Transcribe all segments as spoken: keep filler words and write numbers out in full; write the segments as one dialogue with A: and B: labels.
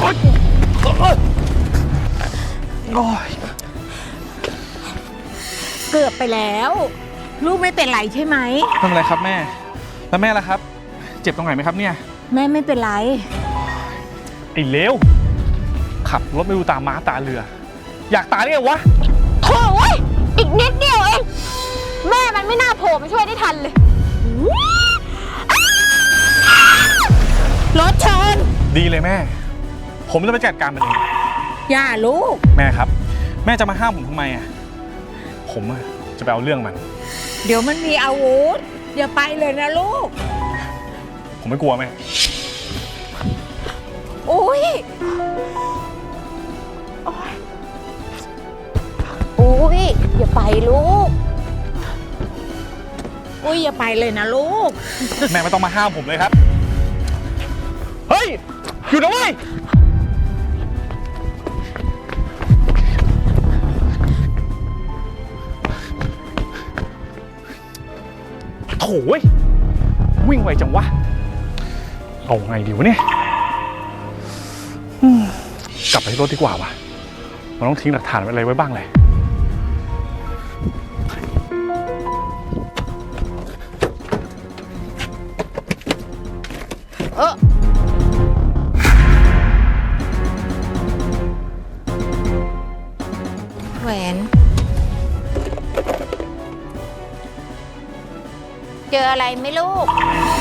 A: โอ้ย
B: เกือบไปแล้วลูกไม่เป็นไรใช่ไหม
A: ไม่เป็นไรครับแม่แล้วแม่ล่ะครับเจ็บตรงไหนไหมครับเนี่ย
B: แม่ไม่เป็นไร
A: ไอ้เลวขับรถไม่ดูตาม้าตาเรืออยากตายได้ไงวะ
B: โถ่เว้ยอีกนิดเดียวเองแม่มันไม่น่าโผล่มาช่วยได้ทันเลยรถชน
A: ดีเลยแม่ผมจะไปจัดการมันเอง
B: อย่าลูก
A: แม่ครับแม่จะมาห้ามผมทำไมอ่ะผมจะไปเอาเรื่องมัน
B: เดี๋ยวมันมีอาวุธอย่าไปเลยนะลูก
A: ผมไม่กลัวแม่
B: โอ้ยโอ้ยอย่าไปลูกอุ้ยอย่าไปเลยนะลูก
A: แม่ไม่ต้องมาห้ามผมเลยครับเฮ้ยอยู่นะเว้ยโถ่วิ่งไวจังวะเอาไงดีวะเนี่ยกลับไปที่รถดีกว่าวะมันต้องทิ้งหลักฐานอะไรไว้บ้างเลย
B: เออแหวนเจออะไรไหมลูก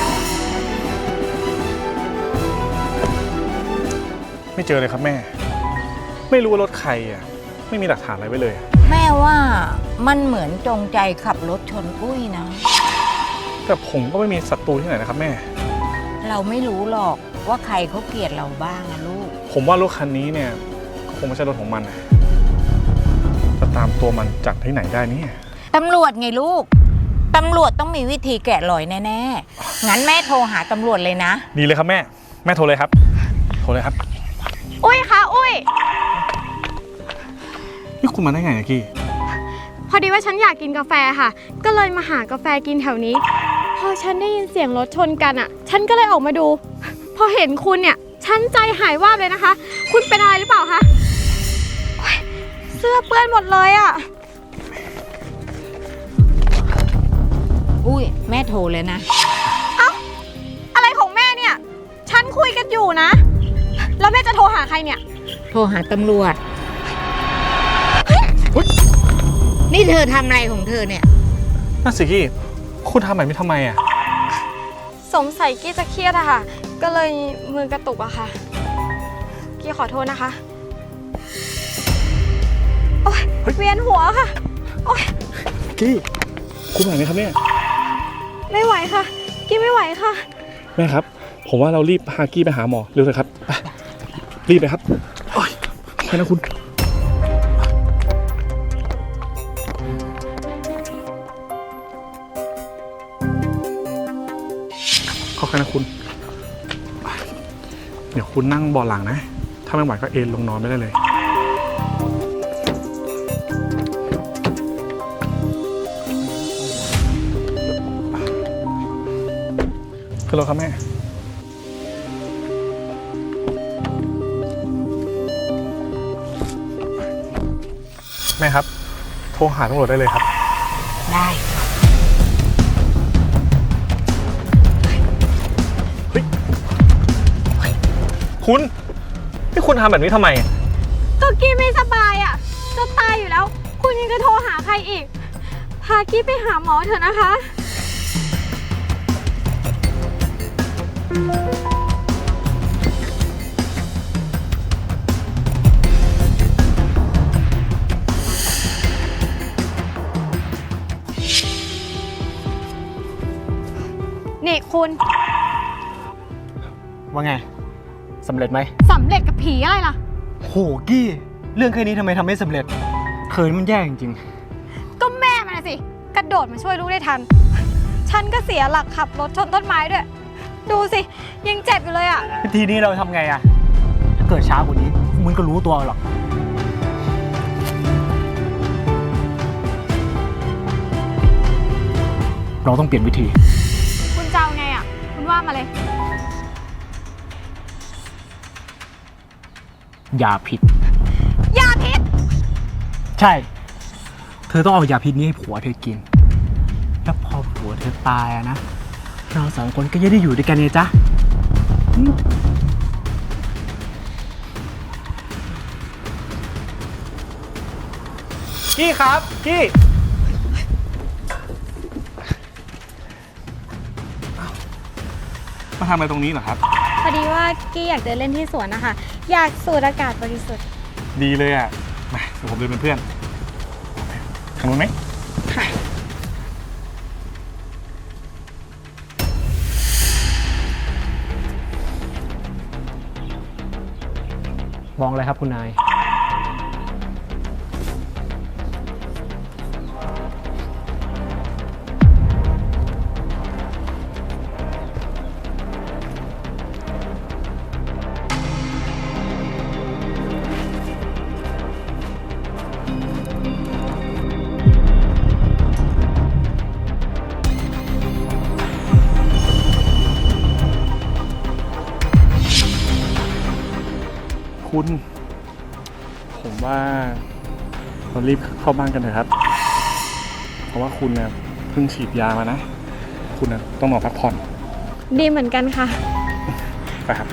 A: ไม่เจอเลยครับแม่ไม่รู้ว่ารถใครอ่ะไม่มีหลักฐานอะไรไว้เลย
B: แม่ว่ามันเหมือนจงใจขับรถชนอุ้ยนะ
A: แต่ผมก็ไม่มีศัตรูที่ไหนนะครับแม่
B: เราไม่รู้หรอกว่าใครเขาเกลียดเราบ้างนะลูก
A: ผมว่ารถคันนี้เนี่ยคงไม่ใช่รถของมันจะตามตัวมันจากที่ไหนได้เนี่ย
B: ตำรวจไงลูกตำรวจต้องมีวิธีแกะรอยแน่ๆงั้นแม่โทรหาตำรวจเลยนะ
A: ดีเลยครับแม่แม่โทรเลยครับโทรเลยครับ
C: อุ้ยคะอุ้ย
A: นี่คุณมาได้ไงกี้
C: พอดีว่าฉันอยากกินกาแฟค่ะก็เลยมาหากาแฟกินแถวนี้พอฉันได้ยินเสียงรถชนกันอ่ะฉันก็เลยออกมาดูพอเห็นคุณเนี่ยฉันใจหายวาบเลยนะคะคุณเป็นอะไรหรือเปล่าคะเสื้อเปื้อนหมดเลยอ่ะ
B: อุ้ยแม่โทรเลยนะ
C: เอ้าอะไรของแม่เนี่ยฉันคุยกันอยู่นะแล้วแม่จะโทรหาใครเนี่ย
B: โทรหาตำรวจนี่เธอทำอะไรของเธอเนี่ย
A: น่าสิกี้คุณทำแบบนี้ทำไมอ่ะ
C: สงสัยกี้จะเครียดอะค่ะก็เลยมือกระตุกอะค่ะกี้ขอโทษนะคะโอ๊ยเวียนหัวค่ะโอ๊ย
A: กี้คุณไหวไหมครับเนี่ย
C: ไม่ไหวค่ะกี้ไม่ไหวค่ะ
A: แม่ครับผมว่าเรารีบพากี้ไปหาหมอเร็วเลยครับไปรีบไปครับโอ๊ยแค่นั้นคุณขอแค่นั้นคุณเดี๋ยวคุณนั่งเบาะหลังนะถ้าไม่ไหวก็เอนลงนอนไม่ได้เลยขึ้นรถครับแม่แม่ครับโทรหาตำรวจได้เลยครับ
B: ได้
A: คุณนี่คุณทำแบบนี้ทำไม
C: ก็กี้ไม่สบายอ่ะจะตายอยู่แล้วคุณยังจะโทรหาใครอีกพากี้ไปหาหมอเถอะนะคะนี่คุณ
D: ว่าไงสำเร็จไหม
C: สำเร็จกับผีอะไรล่ะ
D: โหกี้เรื่องแค่นี้ทำไมทำไม่สำเร็จเคินมันแย่จริง
C: ๆก็แม่มันสิกระโดดมาช่วยลูกได้ทันฉันก็เสียหลักขับรถชนต้นไม้ด้วยดูสิยังเจ็บอยู่เลยอ่ะ
D: ทีนี้เราทำไงอ่ะถ้าเกิดช้ากว่านี้มึงก็รู้ตัวหรอกเราต้องเปลี่ยนวิธี
C: คุณจะเอาไงอ่ะคุณว่ามาเลย
D: ยาพิษ
C: ยาพิษ
D: ใช่ เธอต้องเอายาพิษนี้ให้ผัวเธอกิน แล้วพอผัวเธอตายอะนะ เราสองคนก็จะได้อยู่ด้วยกันเนี่ยจ๊ะ
A: กี้ครับ กี้ มาทำอะไรตรงนี้เหรอครับ
C: พอดีว่ากี้อยากเดินเล่นที่สวนนะคะ อยากสูดอากาศบริสุทธิ์
A: ดีเลยอ่ะ มาเดี๋ยวผมเดินเป็นเพื่อนทางนู้นไหม
D: มองอะไรครับคุณนาย
A: คุณ ผมว่าเรารีบเข้าบ้านกันเถอะครับ เพราะว่าคุณเนี่ยเพิ่งฉีดยามานะ คุณนะต้องนอนพักผ่อน
C: ดีเหมือนกันค่ะ
A: ไปครับ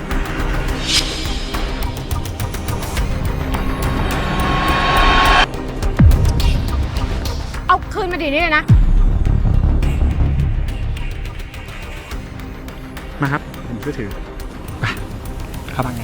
C: เอาคืนมาดีนี่เลยนะ
A: มาครับ ผมช่วยถือ ไป เข้าบ้านกัน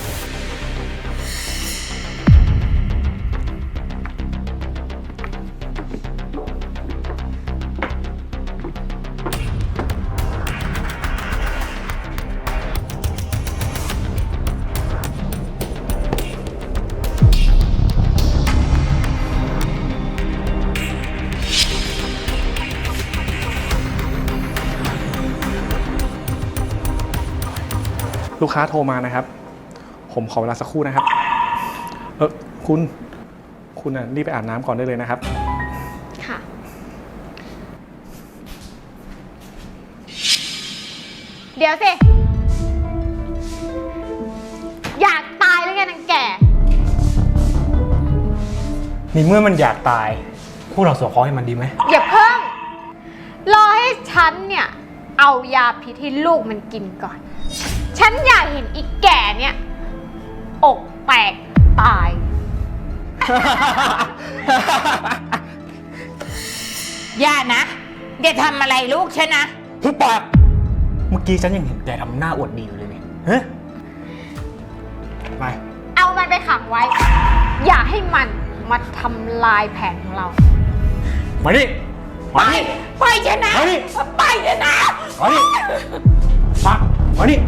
A: ลูกค้าโทรมานะครับ ผมขอเวลาสักครู่นะครับ เออคุณ คุณน่ะรีบไปอาบน้ำก่อนได้เลยนะครับ
C: ค่ะ เดี๋ยวสิ อยากตายหรือไงนางแก่
D: นี่เมื่อมันอยากตาย พวกเราสวเคราะห์ให้มันดีไหม
C: อย่าเพิ่ง รอให้ฉันเนี่ย เอายาพิษให้ลูกมันกินก่อน ฉันอยากเห็นอีกแก่เนี่ย อกแตกตาย
B: อย่านะอย่าทำอะไรลูกฉันนะ
D: ทุกปาก เมื่อกี้ฉันยังเห็นแกทำหน้าอวดดีอยู่เลยเนี่ยเฮ้ยไป
C: เอามันไปขังไว้ อย่าให้มันมาทำลายแผนของเรา
D: มาดิ
B: ไป
D: มาดิ
B: ไปฉันนะ
D: มาดิ
B: ไปฉันนะ
D: มาดิมามาดิ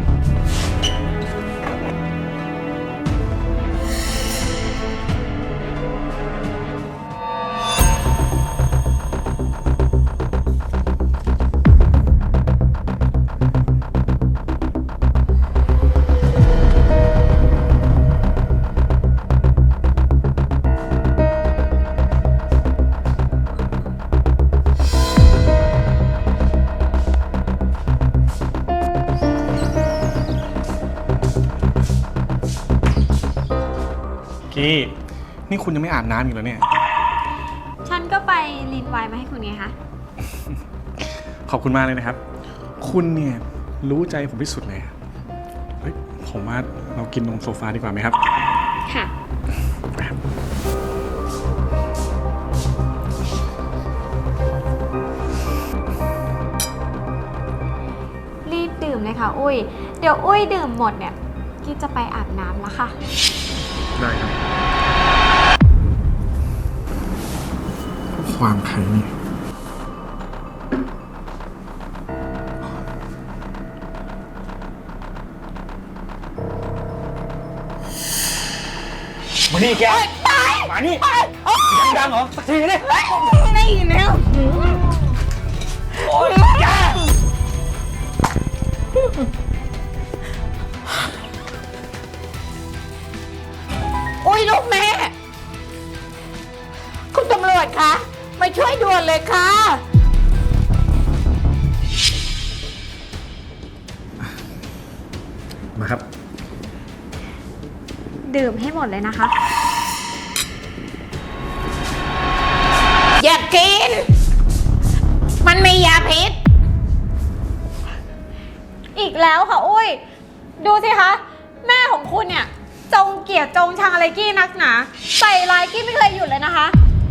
A: กี้ นี่คุณยังไม่อาบน้ำอยู่แล้วเนี่ย
C: ฉันก็ไปรีนไวน์มาให้คุณไงคะ
A: ขอบคุณมากเลยนะครับ คุณเนี่ยรู้ใจผมที่สุดเลยอะเฮ้ย ผมว่าเรากินนมโซฟาดีกว่าไหมครับ
C: ค่ะ
A: ไปครับ
C: รีบดื่มเลยค่ะ อุ้ย เดี๋ยวอุ้ยดื่มหมดเนี่ยกี้จะไปอาบน้ำแล้วค่ะ
A: ได้ครับ ความใครนี่
D: มานี่แกมานี่ยังดังเหรอ สักทีนี่
B: ไม่แล้ว
D: โอ๊ยแก
B: โอ้ยลูกแม่ คุณตำรวจคะมาช่วยด่วนเลยค่ะ
A: มาครับ
C: ดื่มให้หมดเลยนะคะ
B: อย่ากิน มันมียาพิษ
C: อีกแล้วค่ะอุ้ย ดูสิคะ แม่ของคุณเนี่ย จงเกลียดจงชังอะไรกี้นักหนาใส่ร้ายกี้ไม่เคยหยุดเลยนะคะ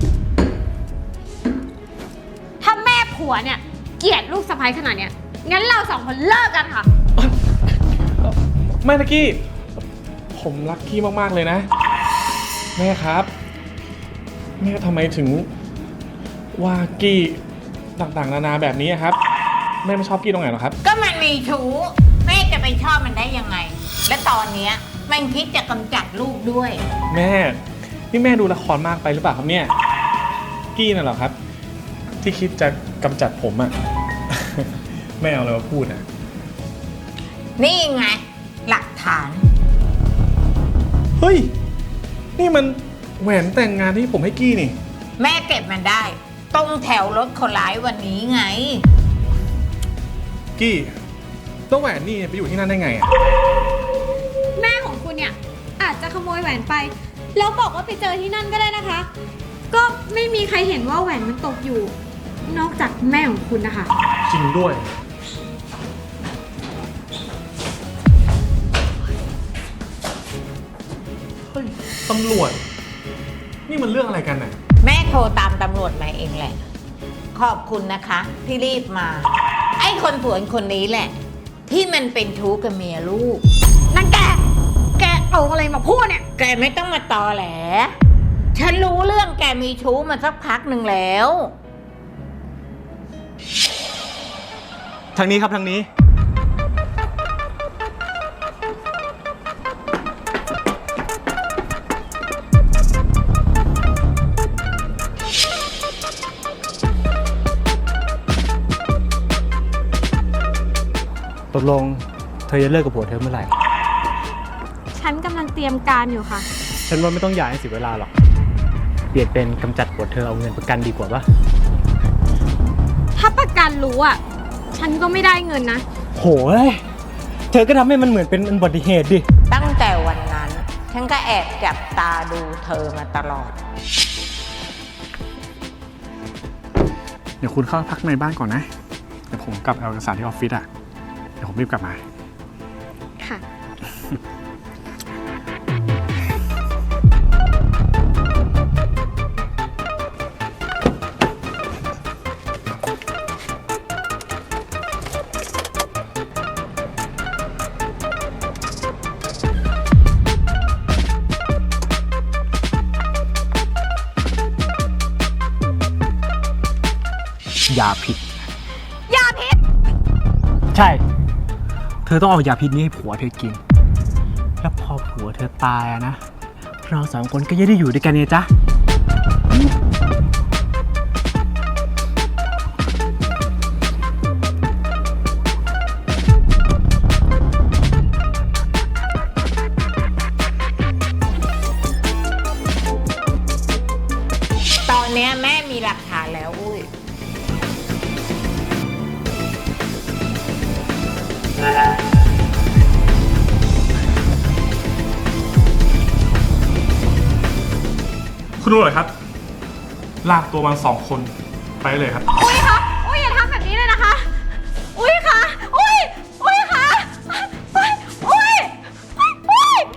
C: ถ้าแม่ผัวเนี่ย เกลียดลูกสะใภ้ขนาดเนี้ยงั้นเราสองคนเลิกกันค่ะ
A: แม่ตะกี้ ผมรักกี้มากๆเลยนะ แม่ครับ แม่ทำไมถึงว่ากี้ต่างๆนานาแบบนี้อะครับ แม่ไม่ชอบกี้ตรงไหนหรอครับ
B: ก็มันมีชู้ แม่จะไปชอบมันได้ยังไง และตอนเนี้ยมันคิดจะกำจัดลูกด้วย
A: แม่ นี่แม่ดูละครมากไปหรือเปล่าครับเนี่ย กี้น่ะเหรอครับ ที่คิดจะกำจัดผมอะ แม่เอาอะไรมาพูดอะ
B: นี่ไง หลักฐาน
A: เฮ้ย นี่มันแหวนแต่งงานที่ผมให้กี้นี่
B: แม่เก็บมันได้ ตรงแถวรถคนร้ายวันนี้ไง
A: กี้แล้วแหวนนี่ไปอยู่ที่นั่นได้ไงอะ
C: แม่ของคุณเนี่ยอาจจะขโมยแหวนไป แล้วบอกว่าไปเจอที่นั่นก็ได้นะคะ ก็ไม่มีใครเห็นว่าแหวนมันตกอยู่ นอกจากแม่ของคุณนะคะ
A: จริงด้วย เฮ้ย ตำรวจ นี่มันเรื่องอะไรกันน่ะ
B: แม่โทรตามตำรวจมาเองแหละ ขอบคุณนะคะ ที่รีบมา ไอ้คนผัวคนนี้แหละ ที่มันเป็นชู้กับเมียลูก
C: นั่นแก แกเอาอะไรมาพูดเนี่ย
B: แกไม่ต้องมาตอแหล ฉันรู้เรื่องแกมีชู้มาสักพักหนึ่งแล้ว
D: ทางนี้ครับทางนี้ ตกลงเธอจะเลิกกับผัวเธอเมื่อไหร่
C: ฉันกำลังเตรียมการอยู่ค่ะ
D: ฉันว่าไม่ต้องหย่าให้เสียเวลาหรอก เปลี่ยนเป็นกำจัดผัวเธอเอาเงินประกันดีกว่าปะ
C: ถ้าประกันรู้อ่ะ ฉันก็ไม่ได้เงินนะ
D: โหยเธอก็ทำให้มันเหมือนเป็นอุบัติเหตุดิ
B: ตั้งแต่วันนั้น ฉันก็แอบจับตาดูเธอมาตลอด
A: เดี๋ยวคุณเข้าพักในบ้านก่อนนะ เดี๋ยวผมกลับเอาเอกสารที่ออฟฟิศอะเดี๋ยวผมรีบกลับมา
C: ค่ะ
D: ยาพิษ
C: ยาพิษ
D: ใช่ เธอต้องเอายาพิษนี้ให้ผัวเธอกิน แล้วพอผัวเธอตายอะนะ เราสองคนก็จะได้อยู่ด้วยกันเนี่ยจ๊ะ
B: ตอนเนี้ยแม่มีหลักฐานแล้วอุ้ย
A: คุณตำรวจครับ ลากตัวมันสองคนไปเลยครับ
C: อุ้ยคะ อุ้ยอย่าทำแบบนี้เลยนะคะ อุ้ยคะ อุ้ย อุ้ยคะอุ้ย อุ้ย อุ้ย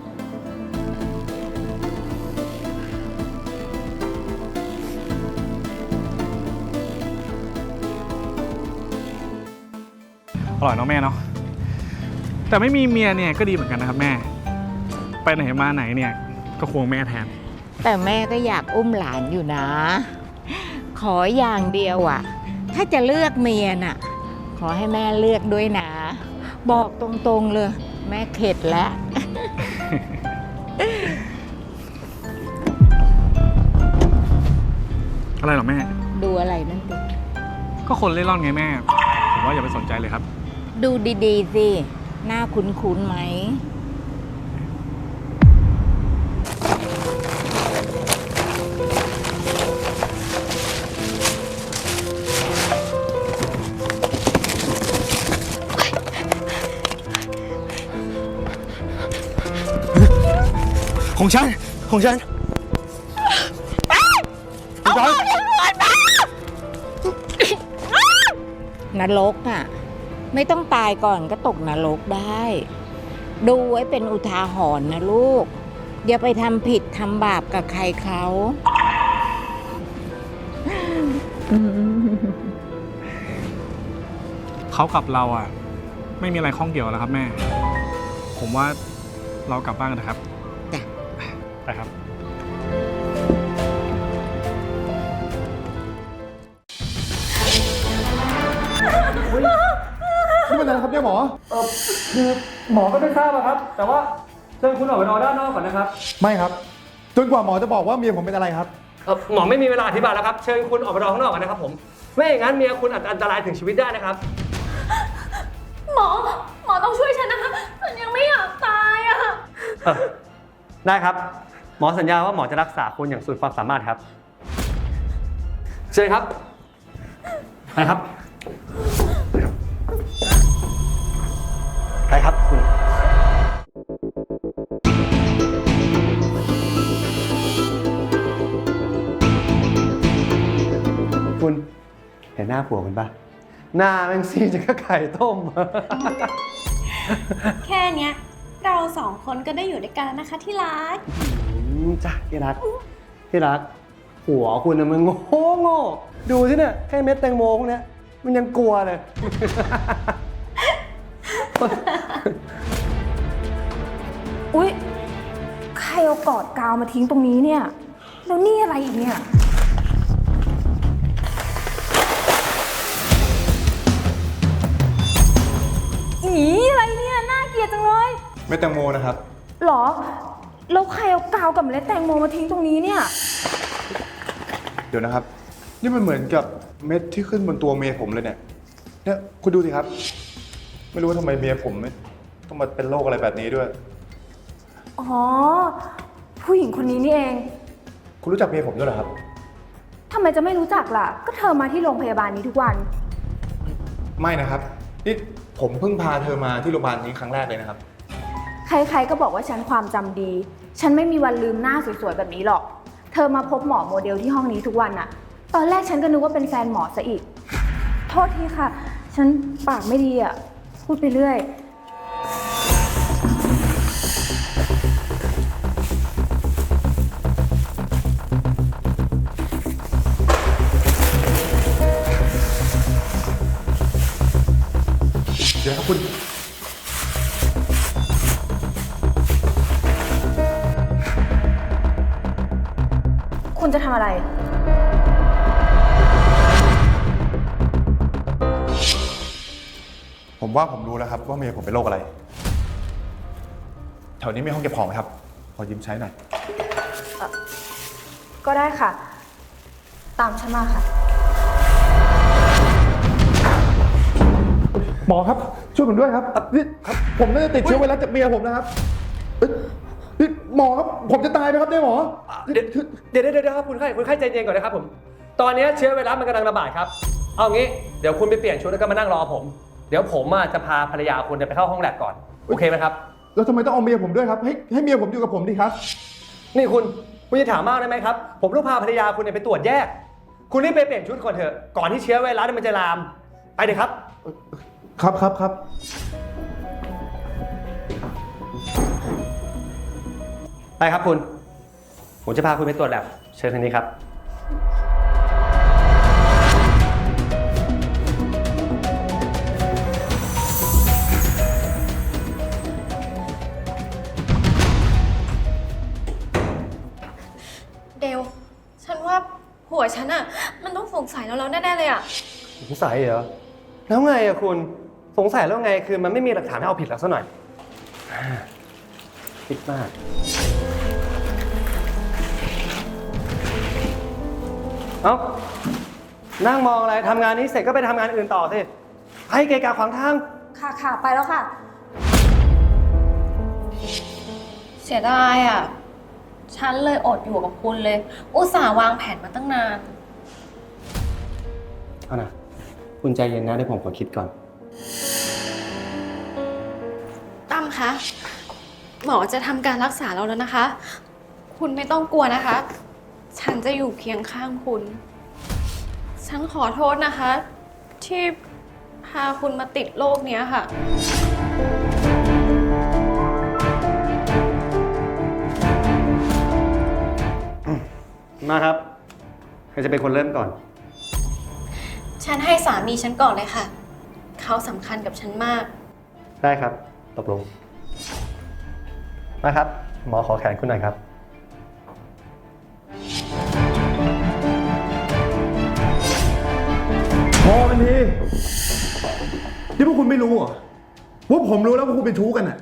A: อร่อยเนาะแม่เนาะ แต่ไม่มีเมียเนี่ยก็ดีเหมือนกันนะครับแม่ ไปไหนมาไหนเนี่ยก็ควงแม่แทน
B: แต่แม่ก็อยากอุ้มหลานอยู่นะ ขออย่างเดียวอ่ะ ถ้าจะเลือกเมียน่ะ ขอให้แม่เลือกด้วยนะ บอกตรงๆเลย แม่เข็ดแล้ว
A: อะไรหรอแม่
B: ดูอะไรนั่นดิ
A: ก็คนเล่ร่อนไงแม่ ผมว่าอย่าไปสนใจเลยครับ
B: ดูดีๆสิ หน้าคุ้นๆไหม
A: เ
D: ของฉัน ของฉันของฉัน
B: นรกอ่ะ ไม่ต้องตายก่อนก็ตกนรกได้ ดูไว้เป็นอุทาหรณ์นะลูก อย่าไปทำผิดทำบาปกับใครเขา
A: เขากับเราอ่ะ ไม่มีอะไรข้องเกี่ยวแล้วครับแม่ ผมว่าเรากลับบ้านกันนะครับ
B: จ้ะ
A: ไปครับ
E: นี่เป็นอะไรครับเนี่ยหมอ
D: เออคือหมอก็ไม่ทราบอะครับ แต่ว่าเชิญคุณออกไปรอด้านนอกก่อนนะครับ
E: ไม่ครับ จนกว่าหมอจะบอกว่าเมียผมเป็นอะไรครับ
D: เออหมอไม่มีเวลาอธิบายแล้วครับ เชิญคุณออกไปรอข้างนอกก่อนนะครับผม ไม่อย่างนั้นเมียคุณอาจจะอันตรายถึงชีวิตได้นะครับ
C: หมอ หมอต้องช่วยฉันนะคะ ฉันยังไม่อยากตายอะ
D: เออได้ครับ หมอสัญญาว่าหมอจะรักษาคุณอย่างสุดความสามารถครับ เชิญครับ ไปครับ ไปครับคุณ คุณเห็นหน้าผัวคุณปะหน้าแม่งซีดจะก็ไข่ต้ม
F: แค่เนี้ยเราสองคนก็ได้อยู่ด้วยกันแล้วนะคะที่รัก
D: อืมจ้ะที่รักที่รักหัวคุณน่ะมันโง่โง่ดูสิเนี่ยแค่เม็ดแตงโมพวกเนี้ยมันยังกลัวเลย
G: อุ๊ย ใครเอากอดกาวมาทิ้งตรงนี้เนี่ย แล้วนี่อะไรอีกเนี่ย อีอะไรเนี่ย น่าเกลียดจังเลย
E: ไม่แตงโมนะครับ
G: หรอ แล้วใครเอากาวกับเมล็ดแตงโมมาทิ้งตรงนี้เนี่ย
E: เดี๋ยวนะครับ นี่มันเหมือนกับเม็ดที่ขึ้นบนตัวเมียผมเลยเนี่ย เนี่ยคุณดูสิครับ ไม่รู้ว่าทำไมเมียผมต้องมาเป็นโรคอะไรแบบนี้ด้วย
G: อ๋อ ผู้หญิงคนนี้นี่เอง
E: คุณรู้จักเมียผมด้วยเหรอครับ
G: ทำไมจะไม่รู้จักล่ะ ก็เธอมาที่โรงพยาบาลนี้ทุกวัน
E: ไม่นะครับ นี่ผมเพิ่งพาเธอมาที่โรงพยาบาลนี้ครั้งแรกเลยนะครับ
G: ใครๆ ก็บอกว่าฉันความจำดี ฉันไม่มีวันลืมหน้าสวยๆ แบบนี้หรอก เธอมาพบหมอโมเดลที่ห้องนี้ทุกวันอะตอนแรกฉันก็นึกว่าเป็นแฟนหมอซะอีก โทษทีค่ะ ฉันปากไม่ดีอะพูดไปเรื่อย
E: เดี๋ยวครับคุณ
G: คุณจะทำอะไร
E: ผมว่าผมรู้แล้วครับว่าเมียผมเป็นโรคอะไร แถวนี้มีห้องเก็บของไหมครับ ขอยืมใช้หน่อย
G: ก็ได้ค่ะ ตามฉันมาค่ะ
E: หมอครับ ช่วยผมด้วยครับนี่ครับผมน่าจะติดเชื้อไวรัสจากเมียผมนะครับเอ้ยนี่หมอครับผมจะตายไหมครับเนี่ยหมอ
D: เดี๋ยวเดี๋ยวเดี๋ยวเดี๋ยวครับคุณไข้คุณไข้ใจเย็นก่อนนะครับผม ตอนนี้เชื้อไวรัสมันกำลังระบาดครับ เอางี้เดี๋ยวคุณไปเปลี่ยนชุดแล้วก็มานั่งรอผม เดี๋ยวผมอ่ะจะพาภรรยาคุณไปเข้าห้องแลบก่อน โอเคไหมครับ
E: แล้วทำไมต้องเอาเมียผมด้วยครับ ให้ให้เมียผมอยู่กับผมดิครับ
D: นี่คุณคุณจะถามมากได้ไหมครับ ผมต้องพาภรรยาคุณเนี่ยไปตรวจแยก คุณรีบไปเปลี่ยนชุดก่อนเถอะ ก่อนที่เชื้อไวรัสมันจะลาม ไปเลยครับ
E: ครับครับครับ
D: ไปครับคุณ ผมจะพาคุณไปตรวจแลบเชิญทางนี้ครับ
F: เดว ฉันว่าหัวฉันอะมันต้องสงสัยแล้วแล้วแน่ๆเลยอะ
D: สงสัยเหรอ แล้วไงอะคุณ สงสัยแล้วไง คือมันไม่มีหลักฐานให้เอาผิดเราซะหน่อยคิดมาก เอ้า นั่งมองอะไร ทำงานนี้เสร็จก็ไปทำงานอื่นต่อสิให้เกะกะขวางทาง
G: ค่ะค่ะไปแล้วค่ะ
F: เสียดายอะฉันเลยอดอยู่กับคุณเลย อุตส่าห์วางแผนมาตั้งนาน
D: เอานะคุณใจเย็นนะเดี๋ยวผมขอคิดก่อน
F: ตั้มคะ หมอจะทำการรักษาเราแล้วนะคะคุณไม่ต้องกลัวนะคะ ฉันจะอยู่เคียงข้างคุณ ฉันขอโทษนะคะ ที่พาคุณมาติดโรคเนี้ยค่ะ
D: มาครับ ใครจะเป็นคนเริ่มก่อน
F: ฉันให้สามีฉันก่อนเลยค่ะ เขาสำคัญกับฉันมาก
D: ได้ครับ ตกลง มาครับ หมอขอแขนคุณหน่อยครับ
E: พอกันทีนี่พวกคุณไม่รู้เหรอว่าผมรู้แล้วว่าคุณเป็นชู้กันอะ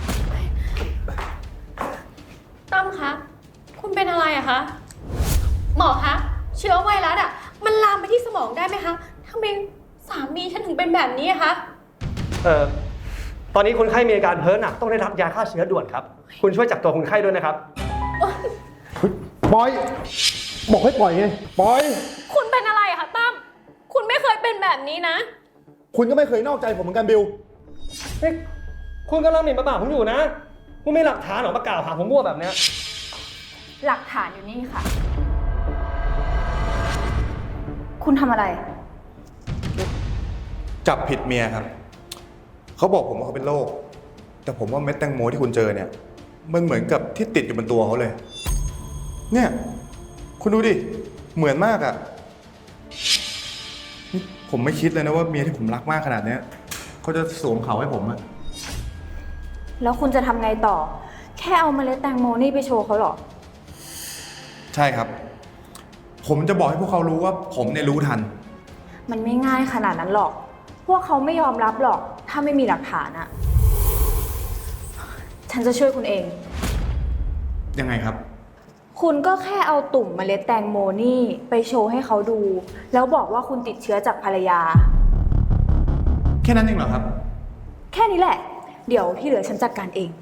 F: ตั้มคะ คุณเป็นอะไรอะคะ หมอคะ เชื้อไวรัสอะมันลามไปที่สมองได้ไหมคะทำไมสามีฉันถึงเป็นแบบนี้อะคะ
D: เอ่อ ตอนนี้คนไข้มีอาการเพ้อหนักต้องได้รับยาฆ่าเชื้อด่วนครับ คุณช่วยจับตัวคนไข้ด้วยนะครับ
E: ปล่อย บอกให้ปล่อยไง ปล่อย
F: คุณเป็นอะไรอะคะตั้ม คุณไม่เคยเป็นแบบนี้นะ
E: คุณก็ไม่เคยนอกใจผมเหมือนกันบิล
D: เฮ้ย คุณกำลังหมิ่นประมาทผมอยู่นะ คุณไม่หลักฐานหรอมากล่าวหาผมมั่วแบบเนี้ย
G: หลักฐานอยู่นี่ค่ะ คุณทำอะไร
E: จับผิดเมียครับ เขาบอกผมว่าเขาเป็นโรค แต่ผมว่าเม็ดแตงโมที่คุณเจอเนี่ย มันเหมือนกับที่ติดอยู่บนตัวเขาเลย เนี่ย คุณดูดิ เหมือนมากอะ่ะนี่ผมไม่คิดเลยนะว่าเมียที่ผมรักมากขนาดเนี้ยเขาจะสวมเขาให้ผมอะ
G: แล้วคุณจะทำไงต่อ แค่เอาเมล็ดแตงโมนี่ไปโชว์เขาเหรอ
E: ใช่ครับ ผมจะบอกให้พวกเขารู้ว่าผมเนี่ยรู้ทัน
G: มันไม่ง่ายขนาดนั้นหรอก พวกเขาไม่ยอมรับหรอก ถ้าไม่มีหลักฐานอะฉันจะช่วยคุณเอง
E: ยังไงครับ
G: คุณก็แค่เอาตุ่มเมล็ดแตงโมนี่ไปโชว์ให้เขาดู แล้วบอกว่าคุณติดเชื้อจากภรรยา
E: แค่นั้นเองเหรอครับ
G: แค่นี้แหละ เดี๋ยวที่เหลือฉันจัดการเอง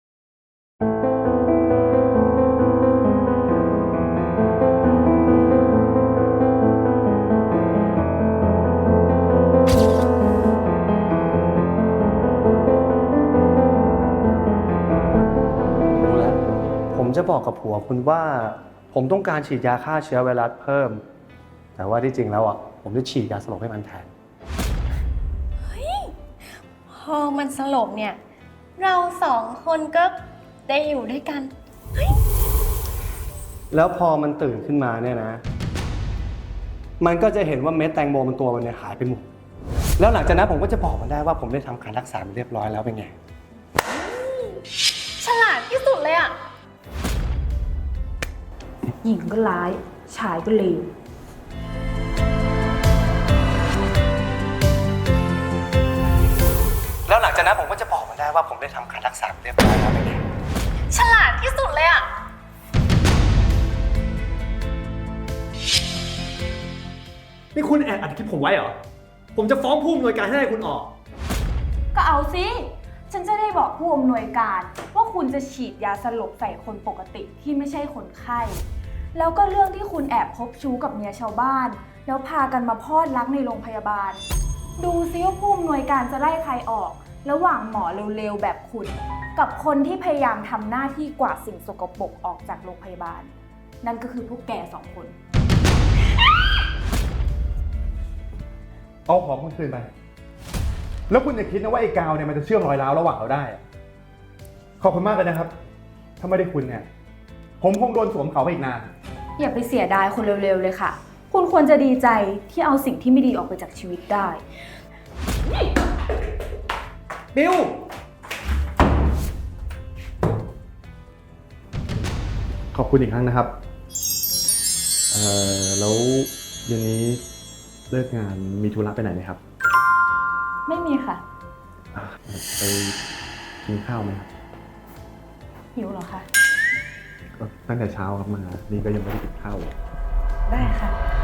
D: รู้แล้ว ผมจะบอกกับผัวคุณว่า ผมต้องการฉีดยาฆ่าเชื้อไวรัสเพิ่ม แต่ว่าที่จริงแล้วอ่ะ ผมจะฉีดยาสลบให้มันแทน
F: พอมันสลบเนี่ย เราสองคนก็ได้อยู่ด้วยกัน
D: แล้วพอมันตื่นขึ้นมาเนี่ยนะ มันก็จะเห็นว่าเม็ดแตงโมมันตัวมันเนี่ยหายไปหมด แล้วหลังจากนั้นผมก็จะบอกมันได้ว่าผมได้ทำการรักษามันเรียบร้อยแล้วเป็นไง
F: ฉลาดที่สุดเลยอะ
G: หญิงก็ร้าย ชายก็เลว
D: แล้วหลังจากนั้นผมก็จะบอกมันได้ว่าผมได้ทำการรักษาเรียบร้อยแล้วเป็นไง
F: ฉลาดที่สุดเลยอะ
D: นี่คุณแอบอัดคลิปผมไว้เหรอ ผมจะฟ้องผู้อำนวยการให้คุณออก
G: ก็เอาสิ ฉันจะได้บอกผู้อำนวยการว่าคุณจะฉีดยาสลบใส่คนปกติที่ไม่ใช่คนไข้ แล้วก็เรื่องที่คุณแอบคบชู้กับเมียชาวบ้าน แล้วพากันมาพลอดรักในโรงพยาบาล ดูซิว่าผู้อำนวยการจะไล่ใครออก ระหว่างหมอเร็วๆแบบคุณ กับคนที่พยายามทำหน้าที่กวาดสิ่งสกปรกออกจากโรงพยาบาล นั่นก็คือพวกแกสองคน
E: เอาของคุณคืนไป แล้วคุณอย่าคิดนะว่าไอ้กาวเนี่ยมันจะเชื่อมรอยร้าวระหว่างเราได้อะขอบคุณมากเลยนะครับ ถ้าไม่ได้คุณเนี่ย ผมคงโดนสวมเขาไปอีกนาน
G: อย่าไปเสียดายคนเร็วๆเลยค่ะ คุณควรจะดีใจที่เอาสิ่งที่ไม่ดีออกไปจากชีวิตได้
D: บิว
E: ขอบคุณอีกครั้งนะครับ เอ่อ แล้วเย็นนี้เลิกงานมีธุระไปไหนไหมครับ
G: ไม่มีค่ะ
E: อ่ะไปกินข้าวไหมครับ
G: หิวเหรอคะ
E: ก็ตั้งแต่เช้าครับมา นี่ก็ยังไม่ได้กินข้าวเลย
G: ได้ค่ะ